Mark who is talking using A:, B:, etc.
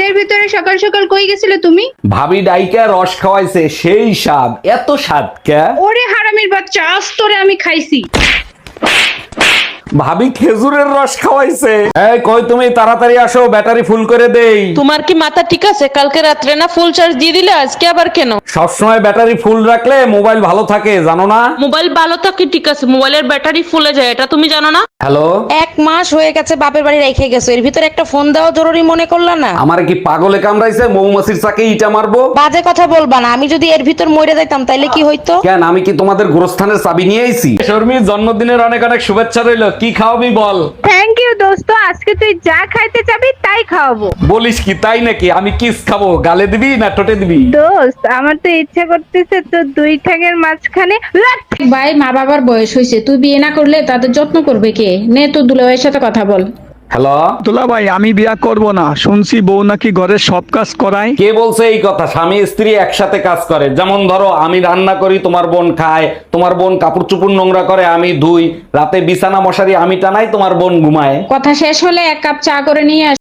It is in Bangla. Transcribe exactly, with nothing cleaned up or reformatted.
A: শীতের ভিতরে সকাল সকাল কই গেছিলে তুমি?
B: ভাবি ডাইকা রস খাওয়াইছে, সেই স্বাদ। এত স্বাদ কে?
A: ওরে হারামির বাচ্চা, আজ তোরে আমি খাইছি।
B: ভাবি খেজুরের রস খাওয়াইছে। এই কই তুমি, তাড়াতাড়ি আসো, ব্যাটারি ফুল করে দেই।
C: তোমার কি মাথা ঠিক আছে? কালকে রাত্রে না ফুল চার্জ দিয়ে দিলে, আজকে আবার কেন?
B: সবসময় ব্যাটারি ফুল রাখলে মোবাইল ভালো থাকে, জানো না?
C: মোবাইল ভালো থাকে ঠিক আছে, মোবাইলের ব্যাটারি ফুলে যায়, এটা তুমি জানো না?
B: হ্যালো,
D: এক মাস হয়ে গেছে বাপের বাড়ি রেখে গেছো, এর ভিতরে একটা ফোন দেওয়া জরুরি মনে করলা না?
B: আমার কি পাগলে কামড়াইছে? মৌমাছির চাকে ইটা মারবো?
D: বাজে কথা বলবা না, আমি যদি এর ভিতর মরে যাইতাম তাইলে কি হইতো?
B: কেন, আমি কি তোমাদের গোরস্থানের চাবি নিয়ে আইছি? শর্মি, জন্মদিনের অনেক অনেক শুভেচ্ছা রইলো। কি খাওয়াবি বল?
A: থ্যাংক ইউ দোস্ত, আজকে তুই যা খাইতে চাবি তাই খাওয়াবো।
B: বলিস কি, তাই নাকি? আমি কিস খাবো, গালে দিবি না টোটে দিবি?
A: দোস্ত, আমার তো ইচ্ছা করতেছে তো দুই ঠ্যাঙের মাঝখানে লাথ।
E: ভাই, মা বাবার বয়স হয়েছে, তুই বিয়ে না করলে তাদের যত্ন করবে কে? নে তো দুলাভাইয়ের সাথে কথা বল।
B: হ্যালো,
F: দুলা ভাই, আমি বিয়া করব না, শুনছি বউ নাকি ঘরের সব কাজ করায়।
B: কে বলছে এই কথা? স্বামী স্ত্রী একসাথে কাজ করে। যেমন ধরো, আমি রান্না করি, তোমার বোন খায়, তোমার বোন কাপড় চুপড় নোংরা করে, আমি ধুই, রাতে বিছানা মশারি আমি টানাই, তোমার বোন ঘুমায়।
E: কথা শেষ হলে এক কাপ চা করে নিয়ে আস।